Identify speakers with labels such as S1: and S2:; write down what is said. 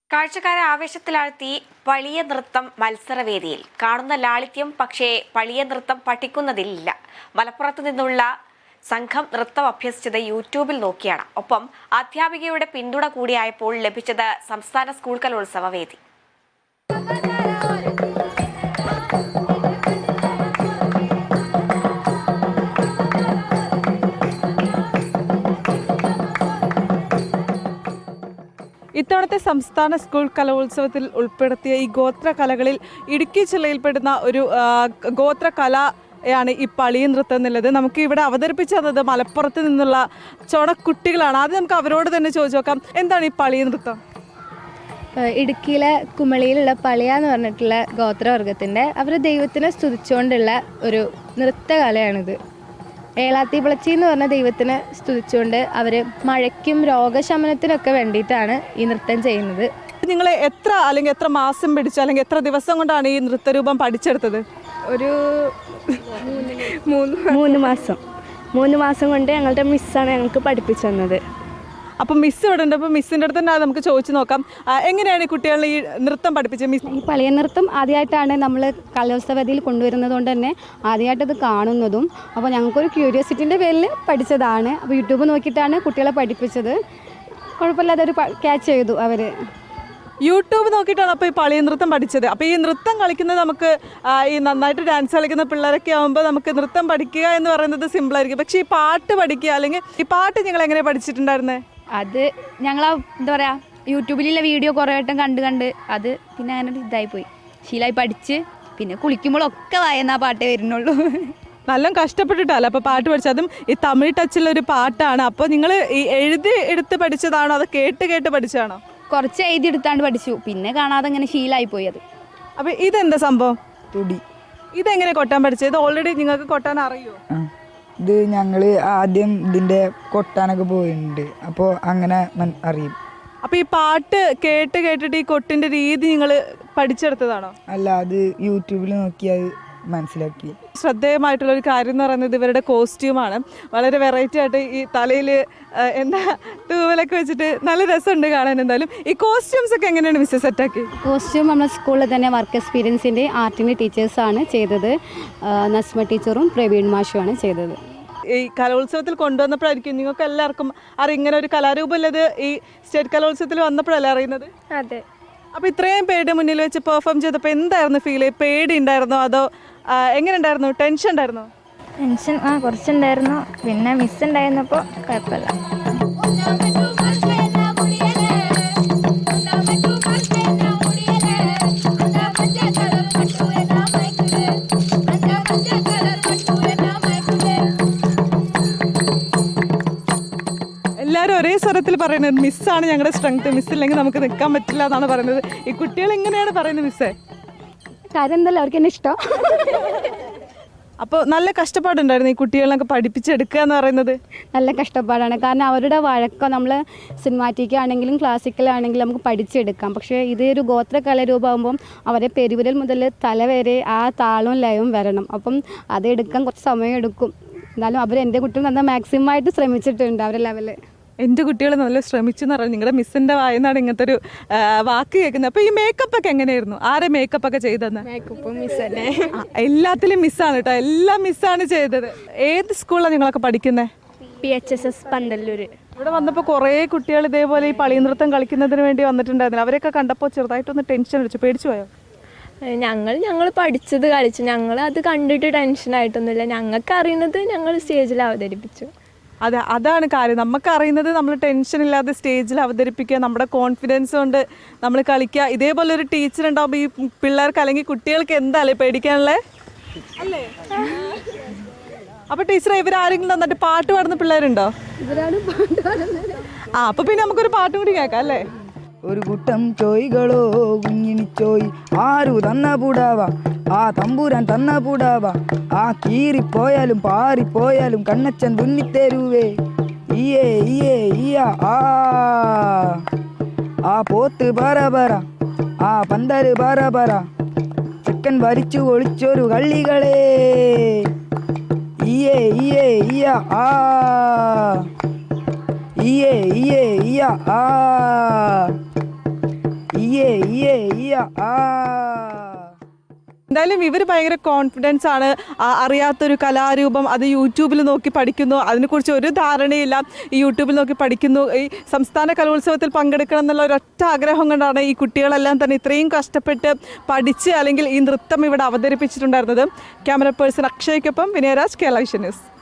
S1: കാഴ്ചക്കാരെ ആവേശത്തിലാഴ്ത്തി പളിയ നൃത്തം മത്സരവേദിയിൽ കാണുന്ന ലാളിത്യം പക്ഷേ പളിയ നൃത്തം പഠിക്കുന്നതിലില്ല. മലപ്പുറത്തു നിന്നുള്ള സംഘം നൃത്തം അഭ്യസിച്ചത് യൂട്യൂബിൽ നോക്കിയാണ്. ഒപ്പം അധ്യാപികയുടെ പിന്തുണ കൂടിയായപ്പോൾ ലഭിച്ചത് സംസ്ഥാന സ്കൂൾ കലോത്സവ വേദി.
S2: ഇത്തവണത്തെ സംസ്ഥാന സ്കൂൾ കലോത്സവത്തിൽ ഉൾപ്പെടുത്തിയ ഈ ഗോത്ര കലകളിൽ ഇടുക്കി ജില്ലയിൽപ്പെടുന്ന ഒരു ഗോത്ര കലയാണ് ഈ പളിയ നൃത്തം എന്നുള്ളത്. നമുക്ക് ഇവിടെ അവതരിപ്പിച്ചു തന്നത് മലപ്പുറത്ത് നിന്നുള്ള ചൊണക്കുട്ടികളാണ്. ആദ്യം നമുക്ക് അവരോട് തന്നെ ചോദിച്ചു നോക്കാം, എന്താണ് ഈ പളിയ നൃത്തം?
S3: ഇടുക്കിയിലെ കുമളിയിലുള്ള പളിയ എന്ന് പറഞ്ഞിട്ടുള്ള ഗോത്രവർഗത്തിൻ്റെ അവർ ദൈവത്തിനെ സ്തുതിച്ചുകൊണ്ടുള്ള ഒരു നൃത്തകലയാണിത്. ഏളാത്തി പിളച്ചി എന്ന് പറഞ്ഞ ദൈവത്തിനെ സ്തുതിച്ചുകൊണ്ട് അവർ മഴയ്ക്കും രോഗശമനത്തിനൊക്കെ വേണ്ടിയിട്ടാണ് ഈ നൃത്തം ചെയ്യുന്നത്.
S2: നിങ്ങൾ എത്ര മാസം പിടിച്ചു അല്ലെങ്കിൽ എത്ര ദിവസം കൊണ്ടാണ് ഈ നൃത്തരൂപം പഠിച്ചെടുത്തത്?
S3: ഒരു 3 മാസം കൊണ്ട് ഞങ്ങളുടെ മിസ്സാണ് ഞങ്ങൾക്ക് പഠിപ്പിച്ചു തന്നത്.
S2: അപ്പം മിസ് ഇവിടെ ഉണ്ട്. അപ്പം മിസ്സിൻ്റെ അടുത്ത് തന്നെ നമുക്ക് ചോദിച്ചു നോക്കാം, എങ്ങനെയാണ് ഈ കുട്ടികളെ ഈ നൃത്തം പഠിപ്പിച്ചത്? മിസ്,
S4: ഈ പളിയ നൃത്തം ആദ്യമായിട്ടാണ് നമ്മൾ കലോത്സവത്തിൽ കൊണ്ടുവരുന്നത് കൊണ്ട് തന്നെ ആദ്യമായിട്ടത് കാണുന്നതും. അപ്പോൾ ഞങ്ങൾക്കൊരു ക്യൂരിയോസിറ്റിൻ്റെ പേരിൽ പഠിച്ചതാണ്. അപ്പോൾ യൂട്യൂബ് നോക്കിയിട്ടാണ് കുട്ടികളെ പഠിപ്പിച്ചത്. കുഴപ്പമില്ലാതെ ഒരു ക്യാച്ച് ചെയ്തു അവർ.
S2: യൂട്യൂബ് നോക്കിയിട്ടാണ് അപ്പോൾ ഈ പളിയ നൃത്തം പഠിച്ചത്. അപ്പോൾ ഈ നൃത്തം കളിക്കുന്നത് നമുക്ക് ഈ നന്നായിട്ട് ഡാൻസ് കളിക്കുന്ന പിള്ളേരൊക്കെ ആകുമ്പോൾ നമുക്ക് നൃത്തം പഠിക്കുക എന്ന് പറയുന്നത് സിമ്പിളായിരിക്കും. പക്ഷേ ഈ പാട്ട് പഠിക്കുക അല്ലെങ്കിൽ ഈ പാട്ട് നിങ്ങൾ എങ്ങനെ പഠിച്ചിട്ടുണ്ടായിരുന്നത്?
S4: അത് ഞങ്ങൾ എന്താ പറയുക, യൂട്യൂബിലുള്ള വീഡിയോ കുറേ വട്ടം കണ്ട് അത് പിന്നെ അങ്ങനെ ഇതായിപ്പോയി, ശീലമായി പഠിച്ച്. പിന്നെ കുളിക്കുമ്പോഴൊക്കെ വായന പാട്ടേ വരുന്നുള്ളൂ.
S2: നല്ല കഷ്ടപ്പെട്ടിട്ടല്ല അപ്പോൾ പാട്ട് പഠിച്ചത്. അതും ഈ തമിഴ് ടച്ചിലൊരു പാട്ടാണ്. അപ്പോൾ നിങ്ങൾ ഈ എഴുതി എടുത്ത് പഠിച്ചതാണോ അതോ കേട്ട് പഠിച്ചതാണോ?
S4: കുറച്ച് എഴുതി എടുത്താണ്ട് പഠിച്ചു, പിന്നെ കാണാതെ ഇങ്ങനെ ശീലമായിപ്പോയി അത്.
S2: അപ്പോൾ ഇതെന്താ സംഭവം?
S5: തുടി.
S2: ഇതെങ്ങനെ കൊട്ടാൻ പഠിച്ചത്? ഇത് ഓൾറെഡി നിങ്ങൾക്ക് കൊട്ടാൻ അറിയുമോ?
S5: ഇത് ഞങ്ങൾ ആദ്യം ഇതിൻ്റെ കൊട്ടാനൊക്കെ പോയിട്ടുണ്ട്, അപ്പോൾ അങ്ങനെ അറിയും.
S2: അപ്പോൾ ഈ പാട്ട് കേട്ടിട്ട് ഈ കൊട്ടിൻ്റെ രീതി നിങ്ങൾ പഠിച്ചെടുത്തതാണോ?
S5: അല്ല, അത് യൂട്യൂബിൽ നോക്കി അത് മനസ്സിലാക്കി.
S2: ശ്രദ്ധേയമായിട്ടുള്ളൊരു കാര്യം എന്ന് പറയുന്നത് ഇവരുടെ കോസ്റ്റ്യൂമാണ്. വളരെ വെറൈറ്റി ആയിട്ട് ഈ തലയിൽ എന്താ തൂവലൊക്കെ വെച്ചിട്ട് നല്ല രസമുണ്ട് കാണാൻ. എന്തായാലും ഈ കോസ്റ്റ്യൂംസ് ഒക്കെ എങ്ങനെയാണ് മിസ്സസ് സെറ്റാക്കി?
S4: കോസ്റ്റ്യൂം നമ്മുടെ സ്കൂളിൽ തന്നെ വർക്ക് എക്സ്പീരിയൻസിൻ്റെ ആർട്ടിൻ്റെ ടീച്ചേഴ്സാണ് ചെയ്തത്. നസ്മ ടീച്ചറും പ്രവീൺ മാഷുമാണ് ചെയ്തത്.
S2: ഈ കലോത്സവത്തിൽ കൊണ്ടുവന്നപ്പോഴായിരിക്കും നിങ്ങൾക്ക് എല്ലാവർക്കും അറിയാം ഇങ്ങനെ ഒരു കലാരൂപമല്ലത് ഈ സ്റ്റേറ്റ് കലോത്സവത്തിൽ വന്നപ്പോഴല്ലേ അറിയുന്നത്?
S3: അതെ.
S2: അപ്പോൾ ഇത്രയും പേരുടെ മുന്നിൽ വെച്ച് പെർഫോം ചെയ്തപ്പോൾ എന്തായിരുന്നു ഫീൽ? പേടി ഉണ്ടായിരുന്നോ അതോ എങ്ങനെ ഉണ്ടായിരുന്നു? ടെൻഷൻ ഉണ്ടായിരുന്നോ?
S3: ടെൻഷൻ കുറച്ചുണ്ടായിരുന്നു. പിന്നെ മിസ് ഉണ്ടായിരുന്നപ്പോൾ കുഴപ്പമില്ല.
S2: എല്ലാവരും ഒരേ സ്വരത്തിൽ പറയുന്നത് മിസ്സാണ് ഞങ്ങളുടെ സ്ട്രെങ്ത്, മിസ്സില്ലെങ്കിൽ നമുക്ക് നിൽക്കാൻ പറ്റില്ല എന്നാണ് പറയുന്നത്. ഈ കുട്ടികൾ എങ്ങനെയാണ് പറയുന്നത് മിസ്സേ?
S4: കാര്യം എന്തല്ലോ അവർക്ക് എന്നെ ഇഷ്ടം.
S2: അപ്പോൾ നല്ല കഷ്ടപ്പാടുണ്ടായിരുന്നു ഈ കുട്ടികളെയൊക്കെ പഠിപ്പിച്ചെടുക്കുക എന്ന് പറയുന്നത്?
S4: നല്ല കഷ്ടപ്പാടാണ്. കാരണം അവരുടെ വഴക്കം നമ്മൾ സിനിമാറ്റിക് ആണെങ്കിലും ക്ലാസിക്കലാണെങ്കിലും നമുക്ക് പഠിച്ചെടുക്കാം. പക്ഷേ ഇതൊരു ഗോത്ര കലാരൂപമാകുമ്പം അവരെ പെരുവിരൽ മുതൽ തല വരെ ആ താളവും ലയവും വരണം. അപ്പം അതെടുക്കാൻ കുറച്ച് സമയം എടുക്കും. എന്നാലും അവർ എൻ്റെ കുട്ടികൾ നന്നായി മാക്സിമം ആയിട്ട് ശ്രമിച്ചിട്ടുണ്ട് അവരുടെ ലെവല്.
S2: എൻ്റെ കുട്ടികൾ നല്ല ശ്രമിച്ചു എന്ന് പറഞ്ഞാൽ നിങ്ങളുടെ മിസ്സിൻ്റെ വായനാണ് ഇങ്ങനത്തെ ഒരു വാക്ക് കേൾക്കുന്നത്. അപ്പോൾ ഈ മേക്കപ്പ് ഒക്കെ എങ്ങനെയായിരുന്നു? ആരെ മേക്കപ്പ് ഒക്കെ ചെയ്തെന്ന്?
S3: മേക്കപ്പ് മിസ് തന്നെ.
S2: എല്ലാത്തിലും മിസ്സാണ് കേട്ടോ, എല്ലാം മിസ്സാണ് ചെയ്തത്. ഏത് സ്കൂളിലാണ് നിങ്ങളൊക്കെ പഠിക്കുന്നത്?
S3: PHSS പന്തല്ലൂർ.
S2: ഇവിടെ വന്നപ്പോൾ കുറേ കുട്ടികൾ ഇതേപോലെ ഈ പളിയ നൃത്തം കളിക്കുന്നതിന് വേണ്ടി വന്നിട്ടുണ്ടായിരുന്നു. അവരെയൊക്കെ കണ്ടപ്പോൾ ചെറുതായിട്ടൊന്ന് ടെൻഷൻ അടിച്ചു. പേടിച്ചു പോയോ?
S6: ഞങ്ങൾ പഠിച്ചത് കളിച്ചു. ഞങ്ങൾ അത് കണ്ടിട്ട് ടെൻഷനായിട്ടൊന്നുമില്ല. ഞങ്ങൾക്ക് അറിയുന്നത് ഞങ്ങൾ സ്റ്റേജിൽ അവതരിപ്പിച്ചു.
S2: അതാണ് കാര്യം. നമുക്കറിയുന്നത് നമ്മൾ ടെൻഷൻ ഇല്ലാതെ സ്റ്റേജിൽ അവതരിപ്പിക്കുക, നമ്മുടെ കോൺഫിഡൻസ് കൊണ്ട് നമ്മൾ കളിക്കുക. ഇതേപോലെ ഒരു ടീച്ചർ ഉണ്ടാവുമ്പോൾ ഈ പിള്ളേർക്ക് അല്ലെങ്കിൽ കുട്ടികൾക്ക് എന്താല്ലേ പേടിക്കാനുള്ളത് അല്ലേ? അപ്പോൾ ടീച്ചറെ ഇവരാരെങ്കിലും നന്നായിട്ട് പാട്ട് പാടുന്ന പിള്ളേരുണ്ടോ? അപ്പോൾ പിന്നെ നമുക്കൊരു പാട്ടും കൂടി കേൾക്കാം അല്ലേ?
S5: ഒരു കൂട്ടം ചോയ്കളോ കുഞ്ഞിനിച്ചോയ് ആരു തന്ന പൂടാവാ, ആ തമ്പുരാൻ തന്ന പൂടാവാ, ആ കീറിപ്പോയാലും പാറിപ്പോയാലും കണ്ണച്ചൻ തുന്നിത്തേരുവേ. ഈയേ ഈയേ ഈയ ആ ആ പോത്ത് പറ ആ പന്തല് പറ ചെക്കൻ വരിച്ചു ഒളിച്ചൊരു കള്ളികളെ. ഈയേ ഈയേ ഈയ ആ ഇയേ ഇയേ ഇയ ആ ഇയേ ഇയേ ഇയ ആ.
S2: എന്തായാലും ഇവർ ഭയങ്കര കോൺഫിഡൻസ് ആണ്. അറിയാത്തൊരു കലാരൂപം അത് യൂട്യൂബിൽ നോക്കി പഠിക്കുന്നു, അതിനെക്കുറിച്ച് ഒരു ധാരണയില്ല, ഈ യൂട്യൂബിൽ നോക്കി പഠിക്കുന്നു. ഈ സംസ്ഥാന കലോത്സവത്തിൽ പങ്കെടുക്കണം എന്നുള്ള ഒരൊറ്റ ആഗ്രഹം കൊണ്ടാണ് ഈ കുട്ടികളെല്ലാം തന്നെ ഇത്രയും കഷ്ടപ്പെട്ട് പഠിച്ച് അല്ലെങ്കിൽ ഈ നൃത്തം ഇവിടെ അവതരിപ്പിച്ചിട്ടുണ്ടായിരുന്നത്. ക്യാമറ പേഴ്സൺ അക്ഷയ്ക്കൊപ്പം വിനയരാജ്, കേരള വിഷൻ ന്യൂസ്.